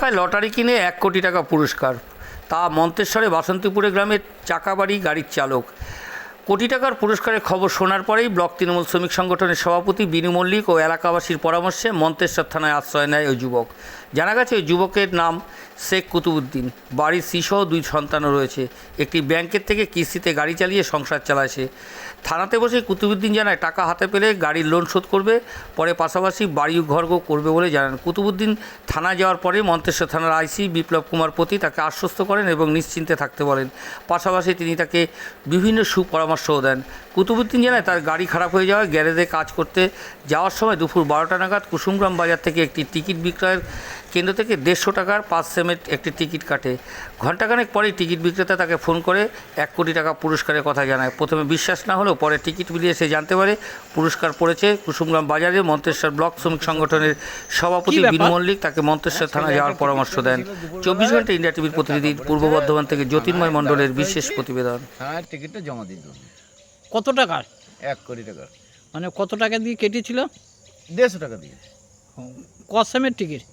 টাকায় লটারি কিনে 1 কোটি টাকা পুরস্কার, তা মন্তেশ্বরে বাসন্তীপুরে গ্রামের চাকাবাড়ি গাড়ির চালক। কোটি টাকার পুরস্কারের খবর শোনার পরেই ব্লক তৃণমূল শ্রমিক সংগঠনের সভাপতি বিনু মল্লিক ও এলাকাবাসীর পরামর্শে মন্তেশ্বর থানায় আশ্রয় নেয় ওই যুবক। জানা গেছে ওই যুবকের নাম শেখ কুতুবুদ্দিন, বাড়ির স্ত্রীসহ 2 সন্তানও রয়েছে। একটি ব্যাংকের থেকে কিস্তিতে গাড়ি চালিয়ে সংসার চালায় সে। থানাতে বসে কুতুবুদ্দিন জানায় টাকা হাতে পেলে গাড়ির লোন শোধ করবে, পরে পাশাপাশি বাড়ি ঘরও করবে বলে জানান। কুতুবুদ্দিন থানা যাওয়ার পরে মন্তেশ্বর থানার আইসি বিপ্লব কুমার পতি তাকে আশ্বস্ত করেন এবং নিশ্চিন্তে থাকতে বলেন। পাশাপাশি তিনি তাকে বিভিন্ন সুপরামর্শও দেন। কুতুবুদ্দিন জানায় তার গাড়ি খারাপ হয়ে যাওয়ায় গ্যারেজে কাজ করতে যাওয়ার সময় দুপুর 12টা নাগাদ কুসুমগ্রাম বাজার থেকে একটি টিকিট বিক্রয়ের কেন্দ্র থেকে 150 টাকার 5 সেমের একটি টিকিট কাটে। ঘণ্টাখানেক পরেই টিকিট বিক্রেতা তাকে ফোন করে 1 কোটি টাকা পুরস্কারের কথা জানায়। প্রথমে বিশ্বাস না হলেও পরে টিকিট মিলিয়ে সে জানতে পারে পুরস্কার পড়েছে কুসুমগ্রাম বাজারে। মন্তেশ্বর ব্লক শ্রমিক সংগঠনের সভাপতি বিনু মল্লিক তাকে মন্তেশ্বর থানায় যাওয়ার পরামর্শ দেন। 24 ঘন্টা ইন্ডিয়া টিভির প্রতিনিধি পূর্ব বর্ধমান থেকে জ্যোতির্ময় মণ্ডলের বিশেষ প্রতিবেদন। থানায় টিকিটটা জমা দিত। কত টাকার? 1 কোটি টাকার। মানে কত টাকা দিয়ে কেটেছিল? 150 টাকা দিয়ে। ক সেমের টিকিট?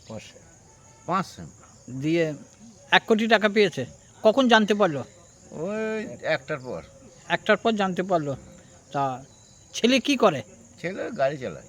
5 সেম দিয়ে 1 কোটি টাকা পেয়েছে। কখন জানতে পারলো? ওই 1টার পর। 1টার পর জানতে পারলো। তা ছেলে কি করে? ছেলে গাড়ি চালায়।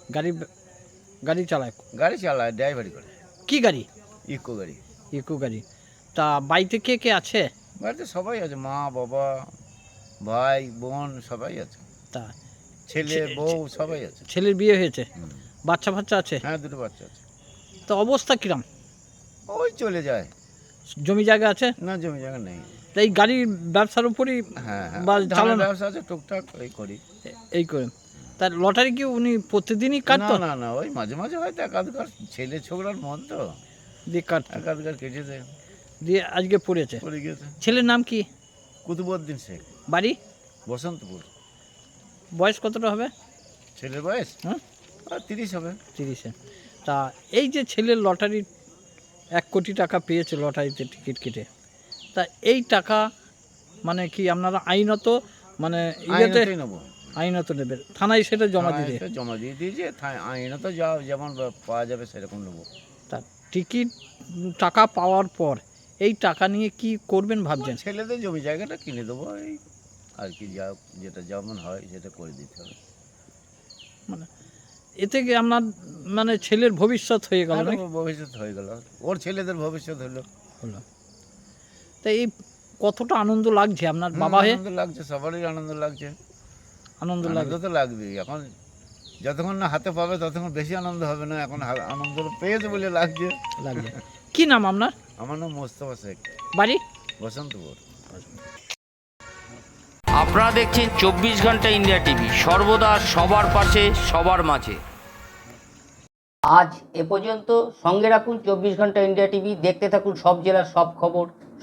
গাড়ি চালায়? গাড়ি চালায়, ড্রাইভারি করে। কি গাড়ি? ইকো গাড়ি। ইকো গাড়ি। তা বাড়িতে কে কে আছে? বাড়িতে সবাই আছে, মা বাবা ভাই বোন সবাই আছে। তা ছেলে বউ সবাই আছে। ছেলের বিয়ে হয়েছে? বাচ্চা ফাচ্চা আছে? হ্যাঁ, 2টো বাচ্চা আছে। তো অবস্থা কিরম? ওই চলে যায়। জমি জায়গা আছে? না, জমি জায়গা নেই। তা এই গাড়ির ব্যবসার উপরই হ্যাঁ হ্যাঁ, বা ধানের চালানো ব্যবসা আছে টুকটাক, এই করি। এই করে। তার লটারি কি উনি প্রতিদিনই কাটতো? না না না, ওই মাঝে মাঝে হয়তো একাধিকার, ছেলে ছোকরার মন তো দিয়ে কাটতো? একাধিকার কেটেছে, দিয়ে আজকে পড়েছে। পড়ে গেছে। ছেলের নাম কি? কুতুবুদ্দিন শেখ, বাড়ি? বসন্তপুর। বয়স কতটা হবে ছেলের বয়স হ্যাঁ? 30 হবে। 30-এ। তা এই যে ছেলের লটারি 1 কোটি টাকা পেয়েছে লটারিতে টিকিট কেটে, তা এই টাকা মানে কি আপনারা আইনত মানে ইয়েতে আইনতই নেবো। আইনত নেবেন, থানায় সেটা জমা দিতে? আইনতে জমা দিয়ে দিয়েছে, আইনত যা যেমন পাওয়া যাবে সেরকম নেবো। তা টিকিট টাকা পাওয়ার পর এই টাকা নিয়ে কি করবেন ভাবছেন? ছেলেদের জমি জায়গাটা কিনে দেবো, এই আর কি, যা যেটা যেমন হয় সেটা করে দিতে হবে। মানে এতে কি আপনার মানে ছেলের ভবিষ্যৎ হয়ে গেল নাকি? ভবিষ্যৎ হয়ে গেল, ওর ছেলেদের ভবিষ্যৎ হলো। তা এই কতটা আনন্দ লাগছে আপনার বাবা হয়ে? আনন্দ লাগছে, সবারই আনন্দ লাগছে। আনন্দ আনন্দ লাগছে তো লাগবেই। এখন যতক্ষণ না হাতে পাবে ততক্ষণ বেশি আনন্দ হবে না, এখন আনন্দ পেয়েছে বলে লাগছে। কি নাম আপনার? আমার নাম মোস্তফা শেখ, বাড়ি? বসন্তপুর। আপনারা দেখছেন 24 ঘন্টা ইন্ডিয়া টিভি, সর্বদা সবার পাশে সবার মাঝে। আজ এ পর্যন্ত। সঙ্গে রাখুন 24 ঘন্টা ইন্ডিয়া টিভি। দেখতে থাকুন সব জেলার সব খবর।